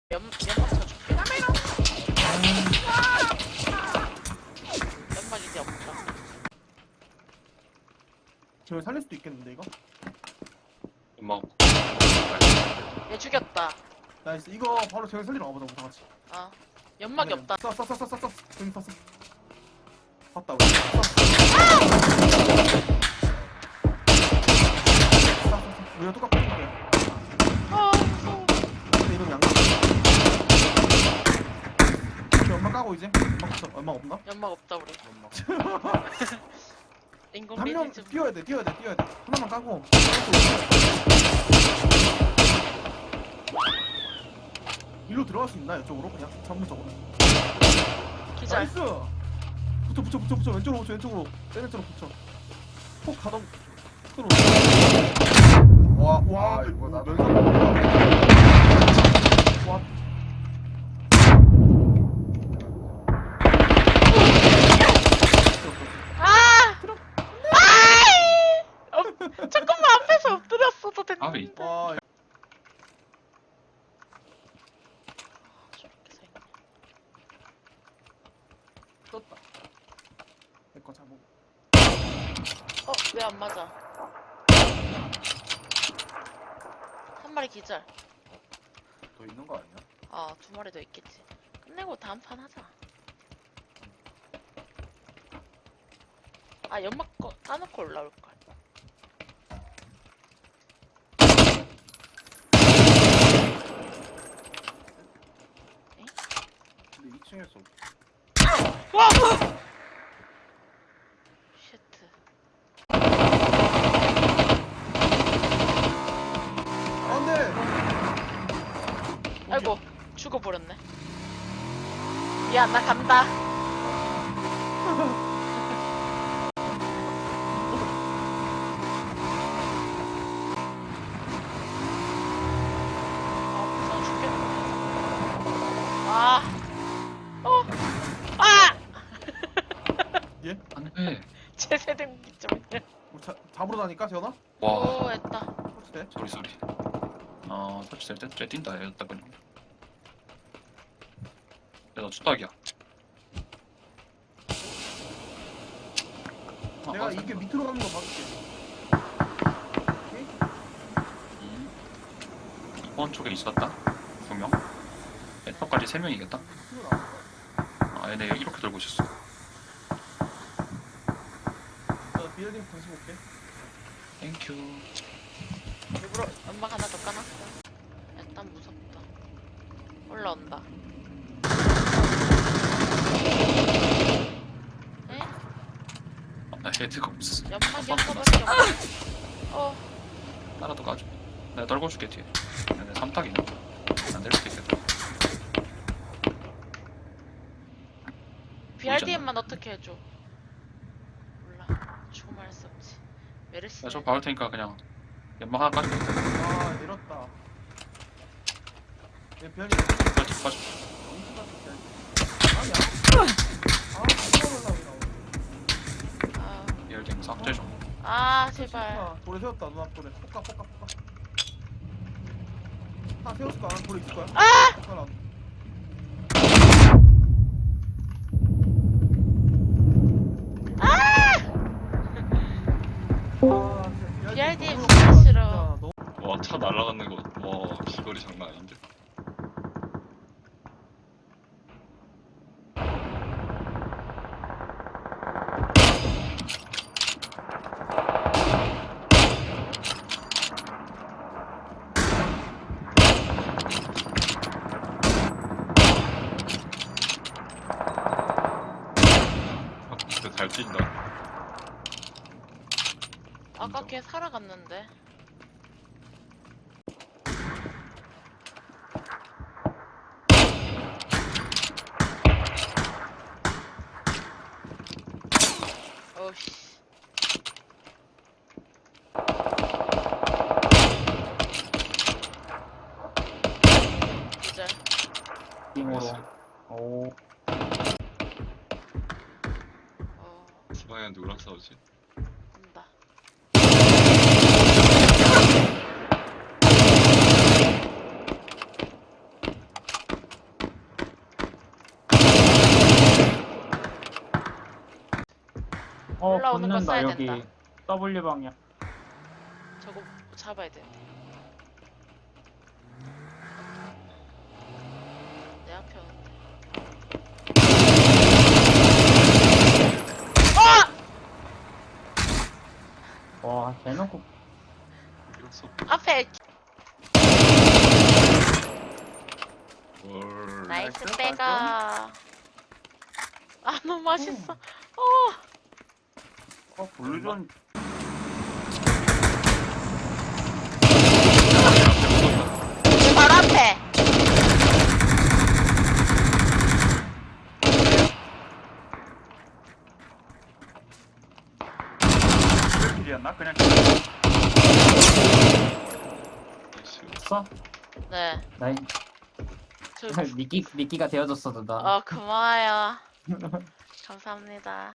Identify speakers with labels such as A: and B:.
A: 연막 쳐줄게. 연막 이제 없다.
B: 저 살릴 수도 있겠는데 이거?
C: 엄마
A: 얘 죽였다.
B: 나이스. 이거 바로 저기 살리러 가보자 우리 다 같이.
A: 어. 연막이 없다.
B: 쏴. 저기 쐈어. 봤다 우리. 쏴. 우리가 똑같은 거야.
A: 아 무서워.
B: 근데 이런 양각. 이렇게 연막 까고 이제. 연막 없어. 연막 없나?
A: 연막 없다 우리. 인공
B: 한 명
A: 리듬.
B: 뛰어야 돼. 하나만 까고. 일로 들어갈 수 있나? 이쪽으로 그냥 창문 쪽으로.
A: 기절.
B: 나이스. 붙여. 왼쪽으로 붙여. 폭 가던. 끌어. 와,
D: 이거 나도.
B: 와.
A: 아! 아이! 조금만 앞에서 엎드렸어도 됐는데.
C: 아비
B: 와,
A: 저렇게 생겼네.
B: 떴다. 내거 잡고.
A: 왜 안 맞아? 한 마리 기절.
D: 더 있는 거 아니야?
A: 두 마리 더 있겠지. 끝내고 다음 판 하자. 연막 까놓고 올라올걸.
D: 근데 2층에서
A: 와! 쉣트.
B: 안 돼!
A: 아이고, 죽어버렸네. 미안, 나 간다. 무서워 죽겠네.
B: 예?
C: 안돼
A: 제 세대 무기점이야.
B: 우리 잡으러 다니까, 재현아?
C: 와
A: 했다.
B: 설치돼?
C: 소리 설치될 때 쟤 뛴다 얘였다 그냥 야너 추락이야
B: 내가 이게 밑으로 가는 거 봐줄게. 오케이?
C: 2번 쪽에 있었다 2명 엔터까지 3명이겠다
B: 밑으로 나올 거야.
C: 얘네 이렇게 들고 있었어
B: 나 비엘딩 다시 볼게.
C: 땡큐
A: 일부러 연막 하나 더 까놨어. 일단 무섭다. 올라온다. 에?
C: 나 헤드가 없었어
A: 연막이
C: 한
A: 한
C: 번
A: 거밖에 없어.
C: 따라도 가줘 내가 떨궈줄게 뒤에 얘네 3탁이네 안 내릴 수도 있겠다
A: BRDM만 어떻게 해줘? 몰라. 죽으면 할 수 없지. 메르시.
C: 야저 박을 테니까 그냥 연막 하나 까줄게
B: 아, 내렸다. 얘 비엘딩
C: 빠져
B: 엄청 같은 비엘딩. 아니야. 올라오게 나오네.
C: 이열딩 삭제 좀
A: 제발.
B: 돌에 세웠다, 눈앞 돌에. 폭가. 하나 세웠을 거야, 돌에 있을 거야. 하나.
A: BRDM 진짜 싫어.
C: 와 차 날아가는 거 와 비거리 장난 아닌데 진짜 잘 뛴다
A: 아까 걔 살아갔는데. 어씨. 기절.
C: 띵으로
B: 오.
C: 수방에 누구랑 싸우지?
A: 온다. 올라오는 거
E: 붙는다
A: 쏴야
E: 여기.
A: 된다.
E: W 방향.
A: 저거 잡아야 되는데. 내 앞에 오는데.
E: 와 대놓고
C: 이럴 수
A: 앞에
C: 뭘.
A: 나이스
B: 나이스,
A: 빼가. 아 너무 맛있어.
D: 블루존
A: 바로 앞에.
D: 킬이었나? 그냥
C: 나이스.
E: 써?
A: 네.
E: 나이
A: 저
E: 미끼가 되어줬어 누나.
A: 고마워요. 감사합니다.